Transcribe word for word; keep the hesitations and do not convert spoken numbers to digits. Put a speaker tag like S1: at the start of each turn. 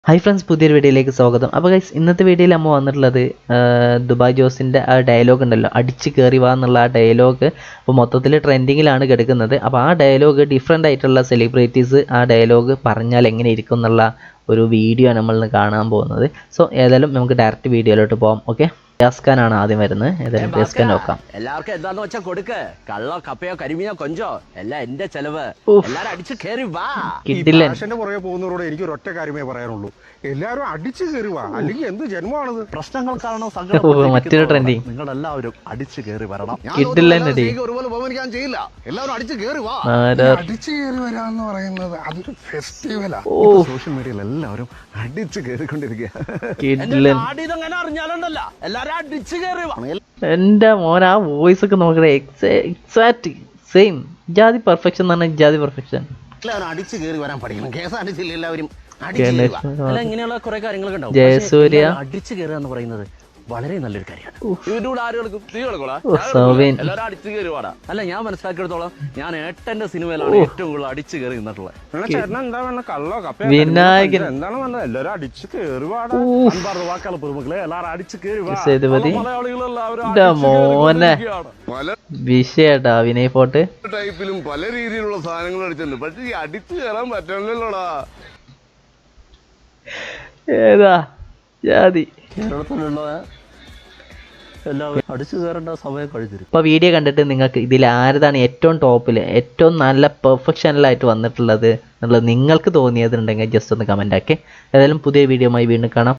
S1: Hi friends, പുതിയൊരു വീഡിയോയിലേക്ക് സ്വാഗതം. അപ്പോൾ ഗൈസ്, ഇന്നത്തെ വീഡിയോയിൽ നമ്മൾ വന്നിട്ടുള്ളത് ദുബായ് ജോസിൻ്റെ ആ ഡയലോഗ് ഉണ്ടല്ലോ, അടിച്ച് കയറി വാ എന്നുള്ള ആ ഡയലോഗ് അപ്പോൾ മൊത്തത്തിൽ ട്രെൻഡിങ്ങിലാണ് കിടക്കുന്നത്. അപ്പോൾ ആ ഡയലോഗ് ഡിഫറെൻ്റ് ആയിട്ടുള്ള സെലിബ്രിറ്റീസ് ആ ഡയലോഗ് പറഞ്ഞാൽ എങ്ങനെ ഇരിക്കും എന്നുള്ള ഒരു വീഡിയോ ആണ് നമ്മൾ കാണാൻ പോകുന്നത്. സോ ഏതായാലും നമുക്ക് ഡയറക്റ്റ് വീഡിയോയിലോട്ട് പോകാം. ഓക്കെ, യാസ്ഖാനാണ് ആദ്യം വരുന്നത്. ഏതായാലും യാസ്ഖാൻ നോക്കാം.
S2: എല്ലാവർക്കും എന്താന്ന് വെച്ചാൽ കൊടുക്ക്. കള്ളോ കപ്പയോ കരിമീനോ കൊഞ്ചോ എല്ലാം എന്റെ ചെലവ്. എല്ലാരും അടിച്ചു കയറി വാ.
S1: കിട്ടില്ല.
S3: പുറകെ പോകുന്നവരോട് എനിക്ക് ഒരു ഒറ്റ കാര്യമേ പറയാനുള്ളൂ, എല്ലാവരും അടിച്ചു കയറി വാ, അല്ലെങ്കിൽ എന്ത് ജന്മമാണത്?
S2: പ്രശ്നങ്ങൾ കാരണം
S1: മറ്റൊരു ട്രെൻഡിങ്.
S2: നിങ്ങൾ എല്ലാവരും അടിച്ചു കയറി വരണം.
S1: കിട്ടില്ല.
S3: ഒരുപോലെ ബഹുമാനിക്കാൻ ചെയ്യില്ല. എല്ലാവരും അടിച്ചു കയറി വാ. അടിച്ചു കയറി വരാന്ന് പറയുന്നത് അതൊരു ഫെസ്റ്റിവലാ. സോഷ്യൽ മീഡിയയിൽ എല്ലാവരും അടിച്ചു കയറിക്കൊണ്ടിരിക്കുക.
S2: അങ്ങനെ അറിഞ്ഞാലുണ്ടല്ലോ എല്ലാരും അടിച്ചു കയറി വാ.
S1: എൻ്റെ മോൻ ആ വോയിസ് ഒക്കെ നോക്കണേ, എക്സാക്ട് സെയിം. ജാതി പെർഫെക്ഷൻ എന്ന് പറഞ്ഞാൽ ജാതി പെർഫെക്ഷൻ.
S2: എല്ലാവരും അടിച്ചു കയറി വരാൻ പഠിക്കണം. കേസ് അടിച്ചില്ല, എല്ലാവരും അല്ല ഇങ്ങനെയുള്ള കുറെ കാര്യങ്ങളൊക്കെ ഉണ്ടാവും.
S1: ജയസൂര്യ
S2: അടിച്ചു കയറുക എന്ന് പറയുന്നത് വളരെ നല്ലൊരു കാര്യമാണ്. അടിച്ചു കയറുവാടാ. അല്ല, ഞാൻ മനസ്സിലാക്കിയെടുത്തോളം ഞാൻ ഏട്ടന്റെ സിനിമയിലാണ് ഏറ്റവും കൂടുതൽ അടിച്ചു കയറി നിന്നിട്ടുള്ളത്.
S1: വിനായകൻ
S3: എല്ലാവരും അടിച്ചു കയറി
S2: വാക്കാളെ പുറമക്കളെ എല്ലാവരും അടിച്ചു കയറി
S1: മോനെ വിഷയട്ടാ. വിനയ് ഫോർട്ട്
S3: ടൈപ്പിലും പല രീതിയിലുള്ള സാധനങ്ങൾ അടിച്ചിട്ടുണ്ട്, പക്ഷെ ഈ അടിച്ചു കയറാൻ പറ്റണല്ലോടാ.
S1: ഏതാ ജാതി?
S2: കേരളത്തിലുള്ള എല്ലാവരും അടിച്ചു കയറേണ്ട സമയം കഴിഞ്ഞിരും.
S1: ഇപ്പോൾ വീഡിയോ കണ്ടിട്ട് നിങ്ങൾക്ക് ഇതിൽ ആരതാണ് ഏറ്റവും ടോപ്പിൽ, ഏറ്റവും നല്ല പെർഫെക്ഷനിലായിട്ട് വന്നിട്ടുള്ളത് എന്നുള്ളത് നിങ്ങൾക്ക് തോന്നിയതുണ്ടെങ്കിൽ ജസ്റ്റ് ഒന്ന് കമൻ്റ് ആക്കി. ഏതായാലും പുതിയ വീഡിയോയുമായി വീണ്ടും കാണാം.